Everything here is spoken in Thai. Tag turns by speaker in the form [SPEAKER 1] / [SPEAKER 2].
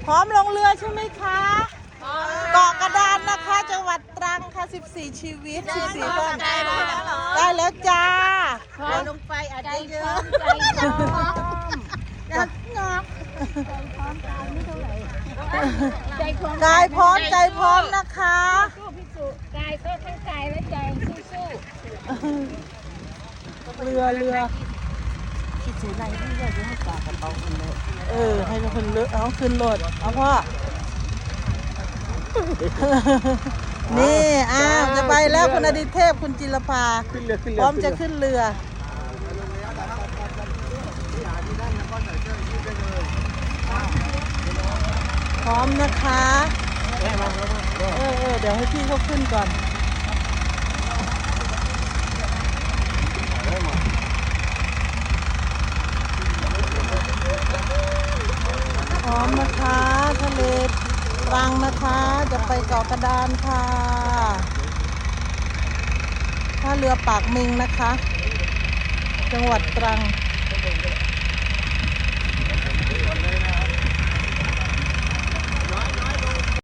[SPEAKER 1] พร้อมลงเรือใช่ไหมคะเกาะกระดานนะคะจังหวัดตรังค่ะ14ชีวิต14ท่านได้แล้วจ้า
[SPEAKER 2] ลงไปอาจจะเยอะ
[SPEAKER 1] กายพร้อมใจพร้อมนะคะ
[SPEAKER 2] กายก็ทั้งกายและใจสู้
[SPEAKER 1] เรือ
[SPEAKER 2] คิดถึงอะไรที่อยากจะให้ปากกระเป๋าคนเลย
[SPEAKER 1] ให้คนเลือกเอาขึ้นรถเอาพ่อ นี่จะไปแล้วคุณอดิเทพคุณจิรภาพร้อมจะขึ้นเรือพร้อมนะคะเดี๋ยวให้พี่เขาขึ้นก่อนพร้อมนะคะทะเลตรังนะคะจะไปเกาะกระดานค่ะท่าเรือปากมิงนะคะจังหวัดตรัง